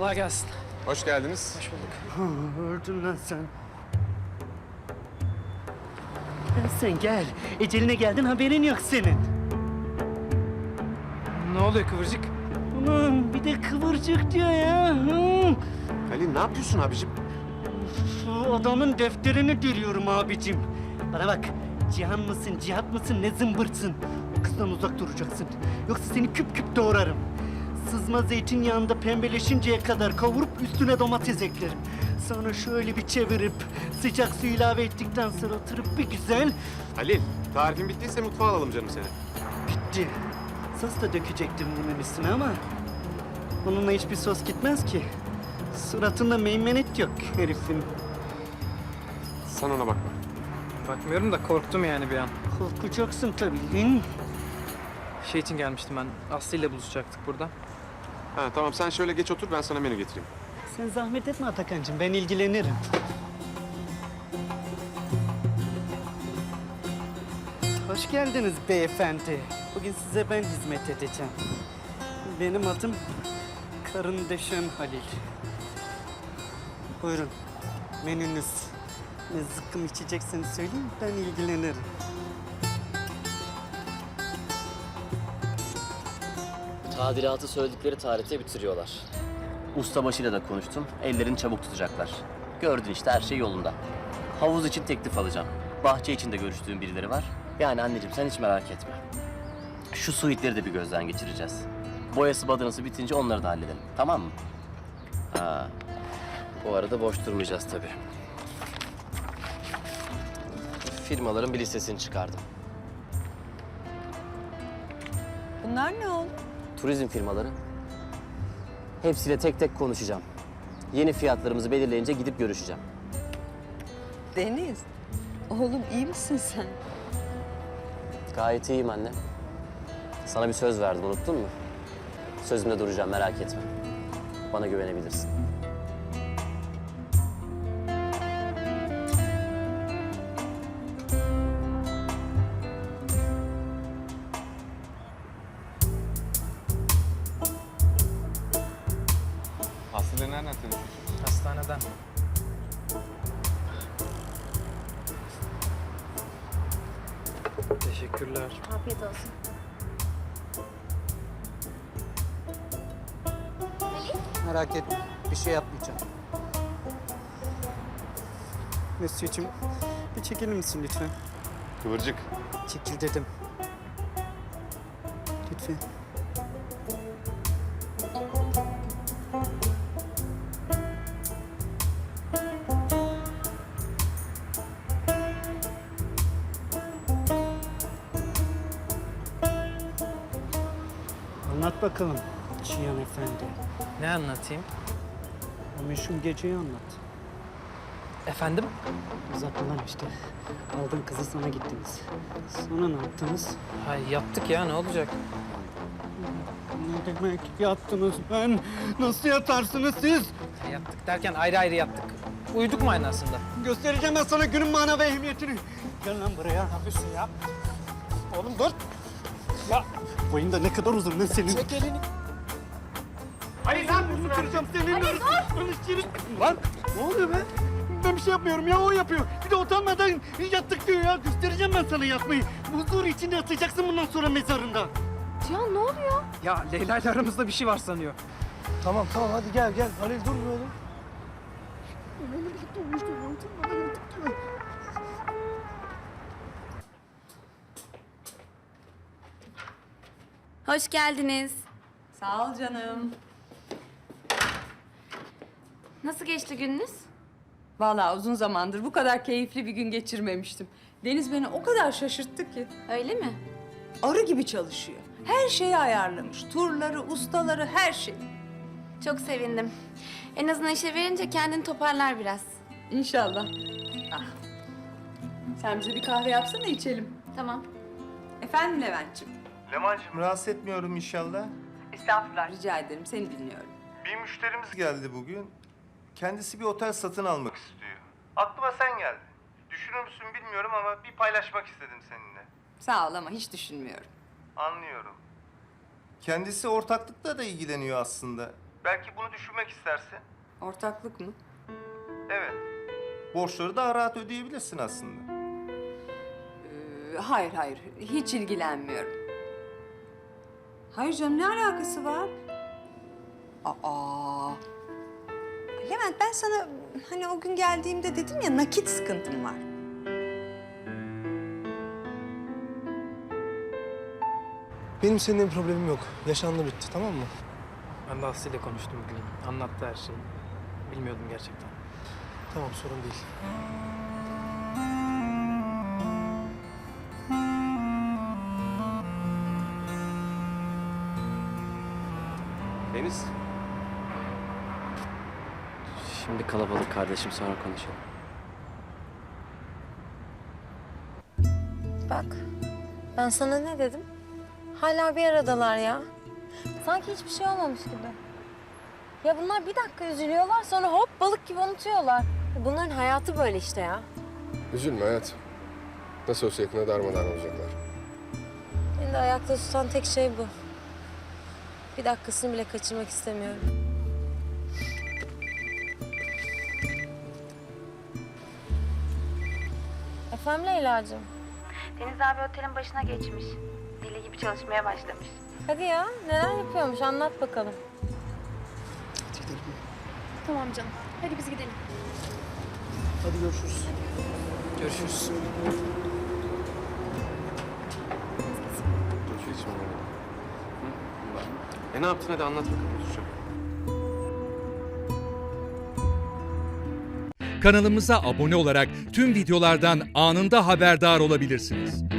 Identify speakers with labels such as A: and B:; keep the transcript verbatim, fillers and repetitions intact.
A: Kolay gelsin.
B: Hoş geldiniz.
A: Hoş bulduk.
C: Öldün lan sen. Gel sen gel. Eceline geldin, haberin yok senin.
A: Ne oluyor Kıvırcık?
C: Ulan bir de kıvırcık diyor ya. Hı.
B: Halil ne yapıyorsun abicim?
C: Şu adamın defterini diriyorum abicim. Bana bak, Cihan mısın, Cihat mısın, ne zımbırtsın? O kızdan uzak duracaksın. Yoksa seni küp küp doğrarım. Sızma zeytinyağında pembeleşinceye kadar kavurup üstüne domates eklerim. Sonra şöyle bir çevirip sıcak su ilave ettikten sonra oturup bir güzel...
B: Halil, tarifin bittiyse mutfağa alalım canım seni.
C: Bitti. Sos da dökecektim bunun üstüne ama... onunla hiçbir sos gitmez ki. Suratında meymenet yok herifin.
B: Sen ona bakma.
A: Bakmıyorum da korktum yani bir an.
C: Korkacaksın tabii lan.
A: Şey için gelmiştim ben. Aslı ile buluşacaktık burada.
B: Ha tamam sen şöyle geç otur ben sana menü getireyim.
C: Sen zahmet etme Atakan'cığım, ben ilgilenirim. Hoş geldiniz beyefendi. Bugün size ben hizmet edeceğim. Benim adım Karın Deşen Halil. Buyurun, menünüz. Ne zıkkım içecekseniz söyleyin, ben ilgilenirim.
D: Tadilatı söyledikleri tarihte bitiriyorlar. Ustabaşıyla da konuştum. Ellerini çabuk tutacaklar. Gördün işte her şey yolunda. Havuz için teklif alacağım. Bahçe için de görüştüğüm birileri var. Yani anneciğim sen hiç merak etme. Şu suitleri de bir gözden geçireceğiz. Boyası badanası bitince onları da halledelim. Tamam mı? Ha. Bu arada boş durmayacağız tabii. Firmaların bir listesini çıkardım.
E: Bunlar ne oğlum?
D: Turizm firmaları. Hepsiyle tek tek konuşacağım. Yeni fiyatlarımızı belirleyince gidip görüşeceğim.
E: Deniz. Oğlum iyi misin sen?
D: Gayet iyiyim anne. Sana bir söz verdim, unuttun mu? Sözümde duracağım, merak etme. Bana güvenebilirsin.
B: Aslı'yla nereden tanışıyorsun?
A: Hastaneden. Teşekkürler.
F: Afiyet olsun.
C: Merak etme, bir şey yapmayacağım. Mesut'cum, bir çekilir misin lütfen?
B: Kıvırcık.
C: Çekil dedim. Lütfen. Anlat bakalım Cihan Efendi.
A: Ne anlatayım?
C: O meşhur geceyi anlat.
A: Efendim?
C: Uzatma lan işte. Aldın kızı sana gittiniz. Sonra ne yaptınız?
A: Ha, yattık ya, ne olacak?
C: Ne demek yattınız ben? Nasıl yatarsınız siz?
A: Ha, yattık derken ayrı ayrı yattık. Uyuduk mu aynı aslında?
C: Göstereceğim ben sana günün mana ve ehemmiyetini. Gel lan buraya. Ne yapıyorsun ya? Oğlum dur. Ya boyun da ne kadar uzun lan senin. Çek elini. Hayır lan bunu kıracağım senin. Hayır dur. Lan ne oluyor be? Ben bir şey yapmıyorum ya, o yapıyor. Bir de utanmadan yattık diyor ya. Göstereceğim ben sana yatmayı. Huzur içinde yatacaksın bundan sonra mezarında.
F: Cihan ne oluyor?
A: Ya Leyla ile aramızda bir şey var sanıyor.
G: Tamam tamam hadi gel gel. Halil dur bir oğlum.
F: Hoş geldiniz.
E: Sağ ol canım.
F: Nasıl geçti gününüz?
E: Vallahi uzun zamandır bu kadar keyifli bir gün geçirmemiştim. Deniz beni o kadar şaşırttı ki.
F: Öyle mi?
E: Arı gibi çalışıyor. Her şeyi ayarlamış. Turları, ustaları, her şey.
F: Çok sevindim. En azından işe verince kendini toparlar biraz.
E: İnşallah. Ah. Sen bize bir kahve yapsana içelim.
F: Tamam.
E: Efendim Levent'ciğim.
G: Leman'cığım rahatsız etmiyorum inşallah.
E: Estağfurullah rica ederim. Seni dinliyorum.
G: Bir müşterimiz geldi bugün. Kendisi bir otel satın almak istiyor. Aklıma sen geldin. Düşünür müsün bilmiyorum ama bir paylaşmak istedim seninle.
E: Sağ ol ama hiç düşünmüyorum.
G: Anlıyorum. Kendisi ortaklıkla da ilgileniyor aslında. Belki bunu düşünmek istersin.
E: Ortaklık mı?
G: Evet. Borçları daha rahat ödeyebilirsin aslında.
E: Ee, hayır hayır, hiç ilgilenmiyorum. Hayır canım, ne alakası var? Aa. Levent, ben sana hani o gün geldiğimde dedim ya, nakit sıkıntım var.
H: Benim seninle bir problemim yok. Yaşandı bitti, tamam mı?
A: Ben de Aslı ile konuştum bugün. Anlattı her şeyi. Bilmiyordum gerçekten.
H: Tamam, sorun değil.
B: Deniz.
D: Şimdi kalabalık kardeşim, sonra konuşalım.
I: Bak, ben sana ne dedim? Hala bir aradalar ya. Sanki hiçbir şey olmamış gibi. Ya bunlar bir dakika üzülüyorlar, sonra hop balık gibi unutuyorlar. Bunların hayatı böyle işte ya.
J: Üzülme hayat. Nasıl olsa yakında darmadağın olacaklar.
I: Beni de ayakta tutan tek şey bu. Bir dakikasını bile kaçırmak istemiyorum. Efendim Leyla'cığım?
F: Deniz abi otelin başına geçmiş. Deli gibi çalışmaya başlamış.
I: Hadi ya, neler yapıyormuş anlat bakalım.
F: Tamam canım. Hadi biz gidelim.
H: Hadi görüşürüz.
A: Görüşürüz.
B: Dur şu içime alalım. E ne yaptın, hadi anlat bakalım. Duracağım.
K: Kanalımıza abone olarak tüm videolardan anında haberdar olabilirsiniz.